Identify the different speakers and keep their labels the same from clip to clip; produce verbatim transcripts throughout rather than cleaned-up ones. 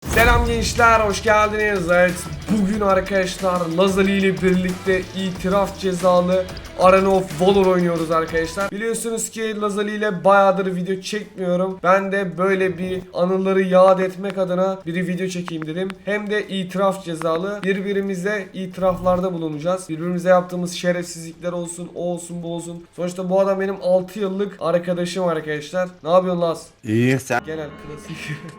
Speaker 1: Selam gençler, hoş geldiniz. Evet, bugün arkadaşlar Lazali ile birlikte itiraf cezalı Arena of Valor oynuyoruz arkadaşlar. Biliyorsunuz ki Lazali ile bayağıdır video çekmiyorum. Ben de böyle bir anıları yad etmek adına bir video çekeyim dedim. Hem de itiraf cezalı. Birbirimize itiraflarda bulunacağız. Birbirimize yaptığımız şerefsizlikler olsun, o olsun, bu olsun. Sonuçta bu adam benim altı yıllık arkadaşım arkadaşlar. Ne yapıyorsun Laz?
Speaker 2: İyi sen.
Speaker 1: Genel klasik.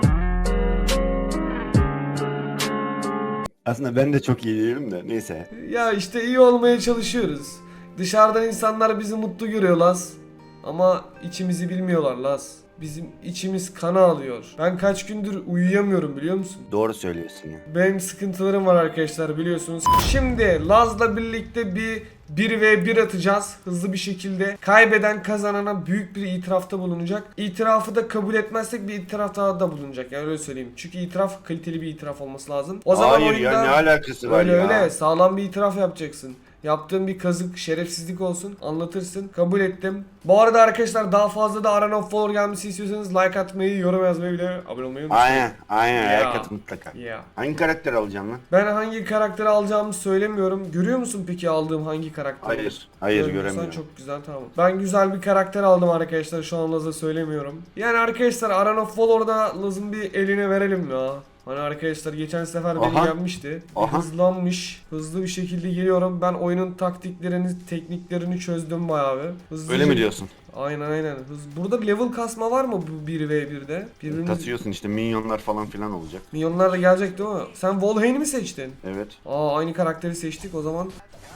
Speaker 2: Aslında ben de çok iyi değilim de neyse.
Speaker 1: Ya işte iyi olmaya çalışıyoruz. Dışarıdan insanlar bizi mutlu görüyor Laz. Ama içimizi bilmiyorlar Laz. Bizim içimiz kana alıyor. Ben kaç gündür uyuyamıyorum biliyor musun?
Speaker 2: Doğru söylüyorsun ya.
Speaker 1: Benim sıkıntılarım var arkadaşlar biliyorsunuz. Şimdi Laz'la birlikte bir bir ve bir atacağız hızlı bir şekilde. Kaybeden kazanana büyük bir itirafta bulunacak. İtirafı da kabul etmezsek bir itiraf daha da bulunacak. Yani öyle söyleyeyim. Çünkü itiraf kaliteli bir itiraf olması lazım. O zaman
Speaker 2: Hayır
Speaker 1: oyunda
Speaker 2: ya, ne alakası var
Speaker 1: öyle
Speaker 2: ya?
Speaker 1: öyle sağlam bir itiraf yapacaksın. Yaptığım bir kazık, şerefsizlik olsun. Anlatırsın. Kabul ettim. Bu arada arkadaşlar daha fazla da Arena of Valor gelmesi istiyorsanız like atmayı, yorum yazmayı bile abone olmayı unutmayın.
Speaker 2: Aynen, aynen.
Speaker 1: Ya.
Speaker 2: Herkes mutlaka.
Speaker 1: Yeah.
Speaker 2: Hangi karakter alacağım lan?
Speaker 1: Ben hangi karakteri alacağımı söylemiyorum. Görüyor musun peki aldığım hangi karakter?
Speaker 2: Hayır, hayır
Speaker 1: Görmüyorsan
Speaker 2: göremiyorum.
Speaker 1: çok güzel, tamam. Ben güzel bir karakter aldım arkadaşlar. Şu an Laz'a söylemiyorum. Yani arkadaşlar Arena of Valor'da Laz'ın bir eline verelim ya. Hani arkadaşlar geçen sefer beni
Speaker 2: Aha.
Speaker 1: yenmişti. Bir
Speaker 2: Aha.
Speaker 1: hızlanmış. Hızlı bir şekilde geliyorum. Ben oyunun taktiklerini, tekniklerini çözdüm bayağı bir. Hızlıca...
Speaker 2: Öyle mi diyorsun?
Speaker 1: Aynen aynen. Hız... Burada bir level kasma var mı bu bir ve birde? Birbirimiz...
Speaker 2: Kasıyorsun işte, minyonlar falan filan olacak.
Speaker 1: Milyonlar da gelecek değil mi? Sen Volhane'i mi seçtin?
Speaker 2: Evet.
Speaker 1: Aa aynı karakteri seçtik o zaman.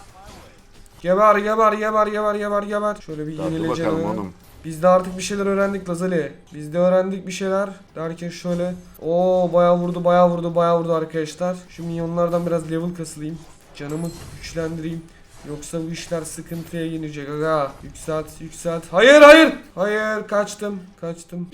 Speaker 1: Geber geber geber geber geber geber. Şöyle bir
Speaker 2: Hadi
Speaker 1: yenile
Speaker 2: bakalım
Speaker 1: canım.
Speaker 2: oğlum.
Speaker 1: Biz de artık bir şeyler öğrendik Lazali. Biz de öğrendik bir şeyler. Derken şöyle. Oo bayağı vurdu bayağı vurdu bayağı vurdu arkadaşlar. Şu minyonlardan biraz level kasılayım. Canımı güçlendireyim. Yoksa bu işler sıkıntıya girecek aga. Yükselt yükselt. Hayır hayır. Hayır kaçtım. Kaçtım.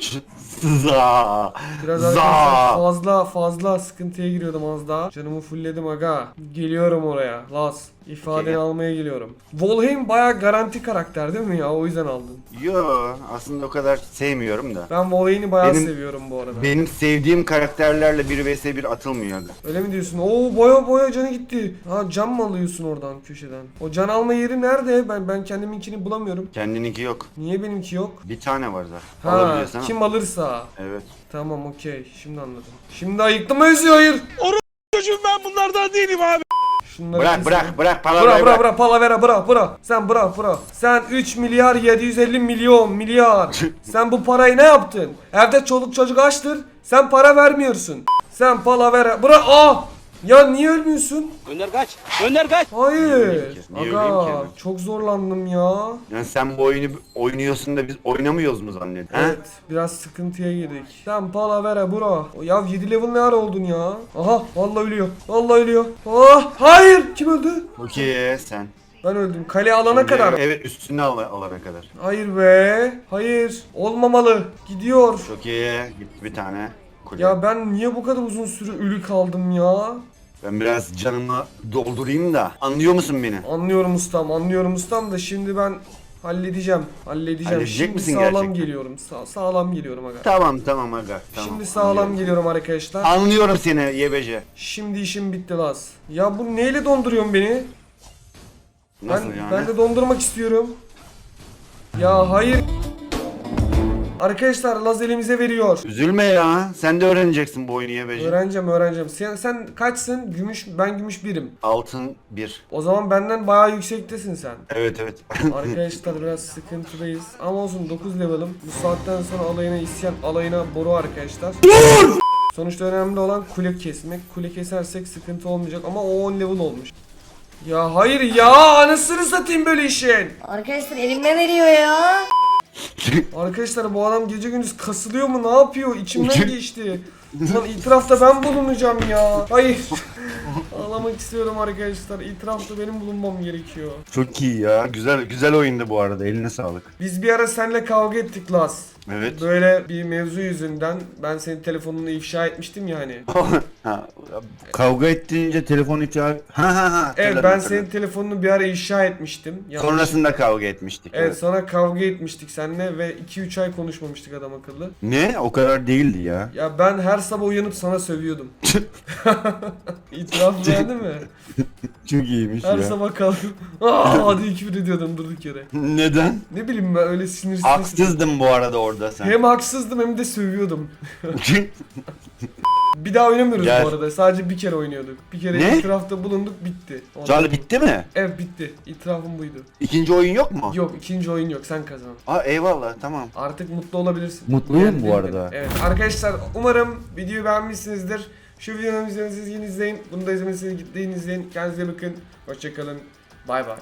Speaker 2: Za.
Speaker 1: Biraz
Speaker 2: Za.
Speaker 1: arkadaşlar fazla fazla sıkıntıya giriyordum az daha. Canımı fullledim aga. Geliyorum oraya. Laz. İfadeni
Speaker 2: Okay.
Speaker 1: almaya geliyorum. Volheim bayağı garanti karakter değil mi ya? O yüzden aldın.
Speaker 2: Yo, aslında o kadar sevmiyorum da.
Speaker 1: Ben Volheim'i bayağı
Speaker 2: Benim-
Speaker 1: seviyorum bu arada.
Speaker 2: Benim sevdiğim karakterlerle bir vs bir atılmıyor aga.
Speaker 1: Öyle mi diyorsun? Oo boya boya canı gitti. Ha can mı alıyorsun oradan köşeden? O can alma yeri nerede? Ben ben kendiminkini bulamıyorum.
Speaker 2: Kendininki yok.
Speaker 1: Niye benimki yok?
Speaker 2: Bir tane var zaten.
Speaker 1: Ha
Speaker 2: Alabiliyorsan al.
Speaker 1: kim alırsa.
Speaker 2: Evet.
Speaker 1: Tamam okey. Şimdi anladım. Şimdi ayıktım mı Özü? Hayır.
Speaker 3: Çocuğum ben bunlardan değilim abi.
Speaker 1: Şunları
Speaker 2: Bırak
Speaker 1: kesin.
Speaker 2: bırak bırak
Speaker 1: Bıra
Speaker 2: palavrayı
Speaker 1: bıra
Speaker 2: bırak.
Speaker 1: bıra palavera bıra bıra. Sen bıra bıra. Sen üç milyar yedi yüz elli milyon milyar. Sen bu parayı ne yaptın? Evde çoluk çocuk açtır. Sen para vermiyorsun. Sen palavera bıra. Aa! Ya niye ölmüyorsun?
Speaker 3: Önder kaç. Önder kaç.
Speaker 1: Hayır.
Speaker 2: Niye öleyim ki? Niye öleyim
Speaker 1: Aga
Speaker 2: ki?
Speaker 1: çok zorlandım ya.
Speaker 2: Yani sen bu oyunu oynuyorsun da biz oynamıyoruz mu zannediyorsun?
Speaker 1: Evet biraz sıkıntıya girdik. Sen palavera bura. O ya yedi level ne ara oldun ya? Aha vallahi ölüyor. Vallahi ölüyor. Ah hayır. Kim öldü?
Speaker 2: Okey sen.
Speaker 1: Ben öldüm. Kale alana
Speaker 2: Şimdi-
Speaker 1: kadar.
Speaker 2: Evet, üstüne al alana kadar.
Speaker 1: Hayır be. Hayır. Olmamalı. Gidiyor.
Speaker 2: Çok iyi. Gitti bir tane. Kule.
Speaker 1: Ya ben niye bu kadar uzun süre ölü kaldım ya?
Speaker 2: Ben biraz canımı doldurayım da. Anlıyor musun beni?
Speaker 1: Anlıyorum ustam. Anlıyorum ustam da şimdi ben halledeceğim. Halledeceğim.
Speaker 2: Halledecek
Speaker 1: Şimdi
Speaker 2: misin
Speaker 1: sağlam
Speaker 2: gerçekten?
Speaker 1: geliyorum. Sa sağlam geliyorum aga.
Speaker 2: Tamam tamam aga. Tamam.
Speaker 1: Şimdi sağlam
Speaker 2: Anlıyorum.
Speaker 1: geliyorum arkadaşlar.
Speaker 2: Anlıyorum seni yebece.
Speaker 1: Şimdi işim bitti Laz. Ya bu neyle donduruyorsun beni?
Speaker 2: Nasıl
Speaker 1: ben,
Speaker 2: yani?
Speaker 1: ben de dondurmak istiyorum. Ya hayır. Arkadaşlar Laz elimize veriyor.
Speaker 2: Üzülme ya. Sen de öğreneceksin bu oyunu yebece.
Speaker 1: Öğreneceğim öğreneceğim. Sen, sen kaçsın? Gümüş, ben gümüş birim.
Speaker 2: Altın bir.
Speaker 1: O zaman benden bayağı yüksektesin sen.
Speaker 2: Evet evet.
Speaker 1: Arkadaşlar biraz sıkıntıdayız. Ama olsun dokuz level'ım. Bu saatten sonra alayına isyan, alayına boru arkadaşlar. Dur! Sonuçta önemli olan kule kesmek. Kule kesersek sıkıntı olmayacak ama o on level olmuş. Ya hayır ya, anasını satayım böyle işin.
Speaker 4: Arkadaşlar elime veriyor ya.
Speaker 1: Arkadaşlar bu adam gece gündüz kasılıyor mu, ne yapıyor? İçimden geçti. Lan itirafta ben bulunacağım ya. Hayır. Ağlamak istiyorum arkadaşlar. İtirafta benim bulunmam gerekiyor.
Speaker 2: Çok iyi ya. Güzel güzel oyundu bu arada. Eline sağlık.
Speaker 1: Biz bir ara seninle kavga ettik Laz.
Speaker 2: Evet.
Speaker 1: Böyle bir mevzu yüzünden ben senin telefonunu ifşa etmiştim ya hani.
Speaker 2: Ha, kavga ettiğince telefon ifşa... Ha ha ha.
Speaker 1: Evet
Speaker 2: hatırladım,
Speaker 1: ben
Speaker 2: hatırladım.
Speaker 1: senin telefonunu bir ara ifşa etmiştim. Yanlış-
Speaker 2: Sonrasında kavga etmiştik.
Speaker 1: Evet sonra kavga etmiştik seninle ve iki üç ay konuşmamıştık adam akıllı.
Speaker 2: Ne? O kadar değildi ya.
Speaker 1: Ya ben her sabah uyanıp sana sövüyordum. İtiraf verdi mi?
Speaker 2: Çok iyiymiş
Speaker 1: Her
Speaker 2: ya.
Speaker 1: sabah kalkıp aa hadi küfür ediyordum durduk yere.
Speaker 2: Neden?
Speaker 1: Ne bileyim ben öyle sinirsiz.
Speaker 2: Haksızdım bu arada orada sen.
Speaker 1: Hem haksızdım hem de sövüyordum. Bir daha oynamıyoruz
Speaker 2: Gel.
Speaker 1: bu arada. Sadece bir kere oynuyorduk. Bir kere
Speaker 2: Ne?
Speaker 1: itirafta bulunduk bitti. Ondan
Speaker 2: Charlie
Speaker 1: sonra-
Speaker 2: bitti mi?
Speaker 1: Evet bitti. İtirafım buydu.
Speaker 2: İkinci oyun yok mu?
Speaker 1: Yok ikinci oyun yok sen kazan.
Speaker 2: Aa eyvallah tamam.
Speaker 1: Artık mutlu olabilirsin.
Speaker 2: Mutluyum
Speaker 1: Yani
Speaker 2: bu
Speaker 1: değil mi?
Speaker 2: arada.
Speaker 1: Evet arkadaşlar umarım videoyu beğenmişsinizdir. Şu videomu izlemediyseniz yine izleyin. Bunu da izlemediyseniz gittiğin izleyin. Kendinize iyi bakın. Hoşçakalın. Bay bay.